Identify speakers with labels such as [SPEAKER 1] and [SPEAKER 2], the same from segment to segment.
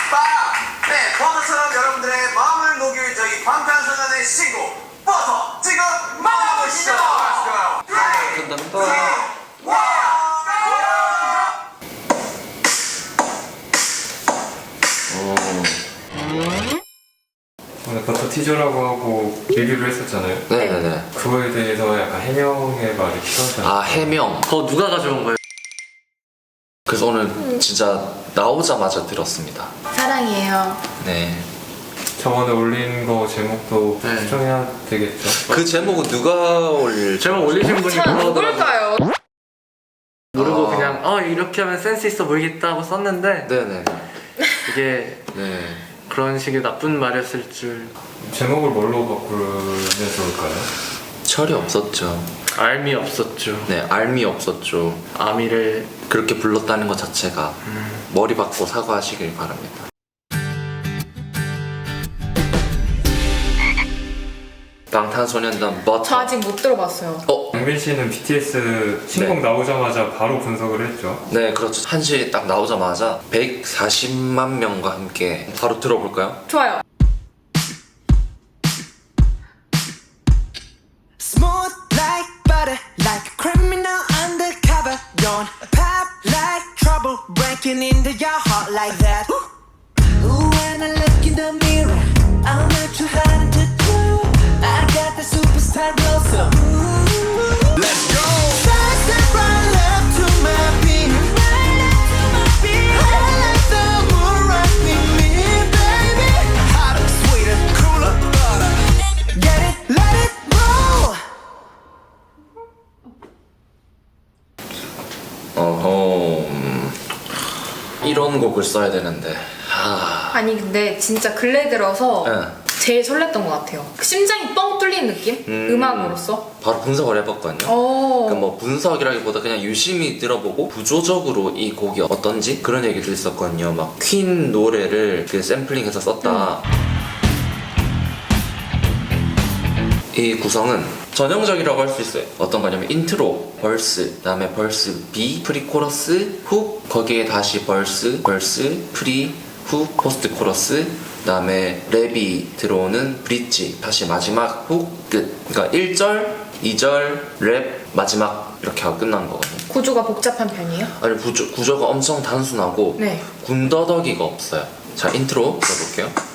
[SPEAKER 1] 네, 버터처럼 여러분들의 마음을 녹일 저희 방탄소년의 신곡 버터 지금 만나보시죠.
[SPEAKER 2] 오늘 버터 티저라고 하고 리뷰를 했었잖아요.
[SPEAKER 3] 네네네.
[SPEAKER 2] 그거에 대해서 약간 해명의 말이 필요하잖아요.
[SPEAKER 3] 아, 해명. 그거 누가 가져온 거예요? 그래서 오늘 진짜 나오자마자 들었습니다.
[SPEAKER 4] 사랑이에요.
[SPEAKER 3] 네.
[SPEAKER 2] 저번에 올린 거 제목도
[SPEAKER 3] 네.
[SPEAKER 2] 수정해야 되겠죠?
[SPEAKER 3] 그 제목은 누가 올릴?
[SPEAKER 5] 제목 올리신 분이
[SPEAKER 4] 자,
[SPEAKER 5] 그러더라고요.
[SPEAKER 4] 누굴까요?
[SPEAKER 5] 모르고
[SPEAKER 3] 아.
[SPEAKER 5] 그냥 이렇게 하면 센스 있어 보이겠다 하고 썼는데
[SPEAKER 3] 네네.
[SPEAKER 5] 이게
[SPEAKER 3] 네.
[SPEAKER 5] 그런 식의 나쁜 말이었을 줄
[SPEAKER 2] 제목을 뭘로 바꾸면 좋을까요?
[SPEAKER 3] 철이 없었죠.
[SPEAKER 5] 알미 없었죠.
[SPEAKER 3] 네, 알미 없었죠.
[SPEAKER 5] 아미를
[SPEAKER 3] 그렇게 불렀다는 것 자체가 머리 받고 사과하시길 바랍니다. 방탄소년단 버터.
[SPEAKER 4] 저 아직 못 들어봤어요.
[SPEAKER 2] 영빈 씨는 BTS 신곡
[SPEAKER 3] 네.
[SPEAKER 2] 나오자마자 바로 분석을 했죠.
[SPEAKER 3] 네, 그렇죠. 한시 딱 나오자마자 140만 명과 함께 바로 들어볼까요?
[SPEAKER 4] 좋아요.
[SPEAKER 6] Smooth like butter, like a criminal undercover. Don't pop like trouble, breaking into your heart like that. Ooh, when I look in the mirror, I'm not too hard to do. I got the superstar glow, so ooh, let's go. Fast and right left to my beat, right left to my beat. I like the moon right with me, baby. Hotter, sweeter, cooler, butter. Get it, let it roll.
[SPEAKER 3] 이런 곡을 써야 되는데.
[SPEAKER 4] 아니 근데 진짜 근래 들어서
[SPEAKER 3] 네.
[SPEAKER 4] 제일 설렜던 것 같아요. 심장이 뻥 뚫리는 느낌? 음악으로서.
[SPEAKER 3] 바로 분석을 해봤거든요. 그러니까 뭐 분석이라기보다 그냥 유심히 들어보고 구조적으로 이 곡이 어떤지 그런 얘기도 있었거든요. 막 퀸 노래를 그 샘플링해서 썼다. 이 구성은 전형적이라고 할 수 있어요. 어떤 거냐면 인트로, 벌스, 그다음에 벌스 B, 프리코러스, 훅, 거기에 다시 벌스, 프리, 훅, 포스트 코러스, 그다음에 랩이 들어오는 브릿지, 다시 마지막 훅, 끝. 그러니까 1절, 2절, 랩, 마지막 이렇게 하고 끝난 거거든요.
[SPEAKER 4] 구조가 복잡한 편이에요?
[SPEAKER 3] 아니 구조가 엄청 단순하고
[SPEAKER 4] 네.
[SPEAKER 3] 군더더기가 없어요. 자, 인트로 들어볼게요.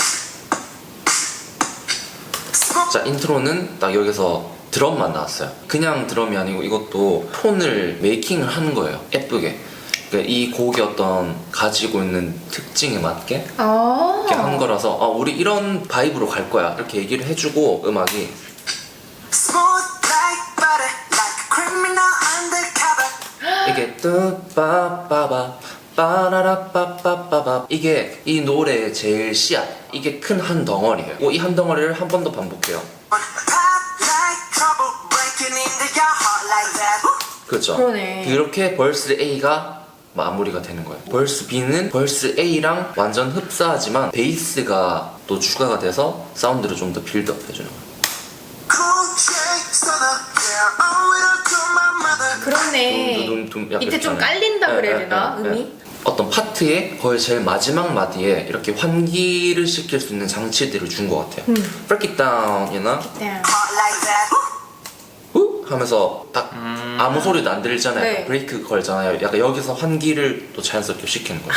[SPEAKER 3] 자, 인트로는 딱 여기서 드럼만 나왔어요. 그냥 드럼이 아니고 이것도 톤을 메이킹을 하는 거예요. 예쁘게. 그러니까 이 곡이 어떤 가지고 있는 특징에 맞게 이렇게 한 거라서 우리 이런 바이브로 갈 거야 이렇게 얘기를 해주고 음악이
[SPEAKER 6] Smooth like butter, like a criminal undercover.
[SPEAKER 3] 이게 뚜빠빠바 빠라라빠빠빠바 이게 이 노래의 제일 씨앗, 이게 큰 한 덩어리예요. 이 한 덩어리를 한 번 더 반복해요.
[SPEAKER 6] Pop like trouble, breaking into your heart like that.
[SPEAKER 3] 그렇죠.
[SPEAKER 4] 그러네.
[SPEAKER 3] 그렇게 벌스 A가 마무리가 되는 거예요. 벌스 B는 벌스 A랑 완전 흡사하지만 베이스가 또 추가가 돼서 사운드를 좀 더 빌드업 해주는 거예요.
[SPEAKER 6] Cool shade stunner, yeah, owe it all to my mother.
[SPEAKER 4] 그렇네.
[SPEAKER 3] 둠둠둠 약간
[SPEAKER 4] 밑에 좀
[SPEAKER 3] 있잖아요.
[SPEAKER 4] 깔린다 그래야
[SPEAKER 3] 네,
[SPEAKER 4] 되나?
[SPEAKER 3] 네, 네.
[SPEAKER 4] 음이?
[SPEAKER 3] 어떤 파트의 거의 제일 마지막 마디에 이렇게 환기를 시킬 수 있는 장치들을 준 것 같아요. Break it down이나
[SPEAKER 4] 네.
[SPEAKER 6] Heart like that.
[SPEAKER 3] 후 하면서 딱 아무 소리도 안 들리잖아요.
[SPEAKER 4] 네.
[SPEAKER 3] 브레이크 걸잖아요. 약간 여기서 환기를 또 자연스럽게 시키는 거예요.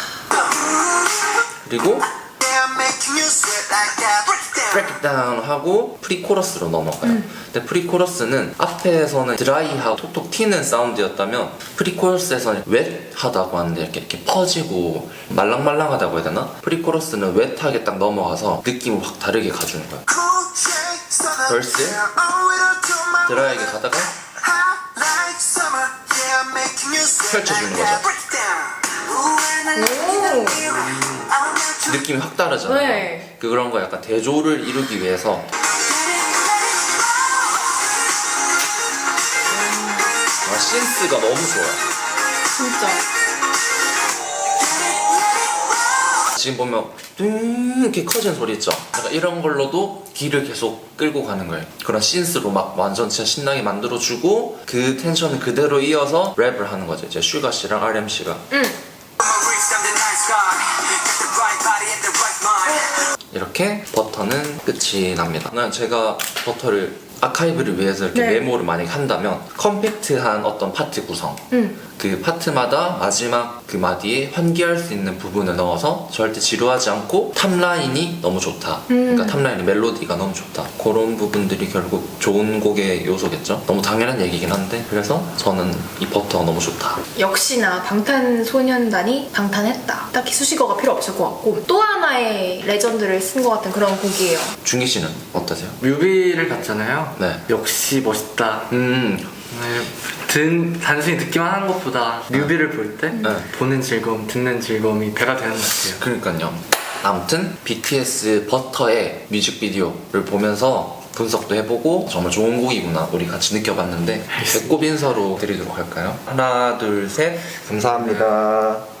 [SPEAKER 3] 그리고
[SPEAKER 6] Yeah, making you sweat like that. Break it down.
[SPEAKER 3] break it down 하고 프리코러스로 넘어가요. 근데 프리코러스는 앞에서는 드라이하고 톡톡 튀는 사운드였다면 프리코러스에서는 웻하다고 하는데 이렇게 퍼지고 말랑말랑하다고 해야 되나? 프리코러스는 웻하게 딱 넘어가서 느낌을 확 다르게 가주는 거예요.
[SPEAKER 6] Cool shade stunner,
[SPEAKER 3] Verse.
[SPEAKER 6] yeah, owe it all to my
[SPEAKER 3] 드라이하게
[SPEAKER 6] mother.
[SPEAKER 3] 가다가
[SPEAKER 6] Hot like summer, yeah, making you sweat
[SPEAKER 3] 펼쳐주는
[SPEAKER 6] like that.
[SPEAKER 3] 거죠.
[SPEAKER 6] Break it down. Ooh, when I look in the mirror, I'm not too
[SPEAKER 3] 느낌이 확 다르잖아요.
[SPEAKER 4] 네.
[SPEAKER 3] 그런 거 약간 대조를 이루기 위해서 신스가 너무 좋아요.
[SPEAKER 4] 진짜.
[SPEAKER 3] 지금 보면 뚱 이렇게 커진 소리 있죠? 약간 이런 걸로도 귀를 계속 끌고 가는 거예요. 그런 신스로 막 완전 진짜 신나게 만들어주고 그 텐션을 그대로 이어서 랩을 하는 거죠. 이제 슈가 씨랑 RM 씨가
[SPEAKER 6] reach them the night sky.
[SPEAKER 3] 이렇게 버터는 끝이 납니다. 제가 버터를 아카이브를 위해서 이렇게
[SPEAKER 4] 네.
[SPEAKER 3] 메모를 만약에 한다면 컴팩트한 어떤 파트 구성 그 파트마다 마지막 그 마디에 환기할 수 있는 부분을 넣어서 절대 지루하지 않고 탑라인이 너무 좋다. 그러니까 탑라인의 멜로디가 너무 좋다. 그런 부분들이 결국 좋은 곡의 요소겠죠. 너무 당연한 얘기긴 한데 그래서 저는 이 버터가 너무 좋다.
[SPEAKER 4] 역시나 방탄소년단이 방탄했다. 딱히 수식어가 필요 없을 것 같고 또 하나의 레전드를 쓴 것 같은 그런 곡이에요.
[SPEAKER 3] 준기 씨는 어떠세요?
[SPEAKER 5] 뮤비를 봤잖아요.
[SPEAKER 3] 네.
[SPEAKER 5] 역시 멋있다. 단순히 듣기만 하는 것보다 뮤비를 볼 때 보는 즐거움, 듣는 즐거움이 배가 되는 것 같아요.
[SPEAKER 3] 그러니까요. 아무튼 BTS 버터의 뮤직비디오를 보면서 분석도 해보고 정말 좋은 곡이구나 우리 같이 느껴봤는데 배꼽 인사로 드리도록 할까요? 하나 둘 셋 감사합니다.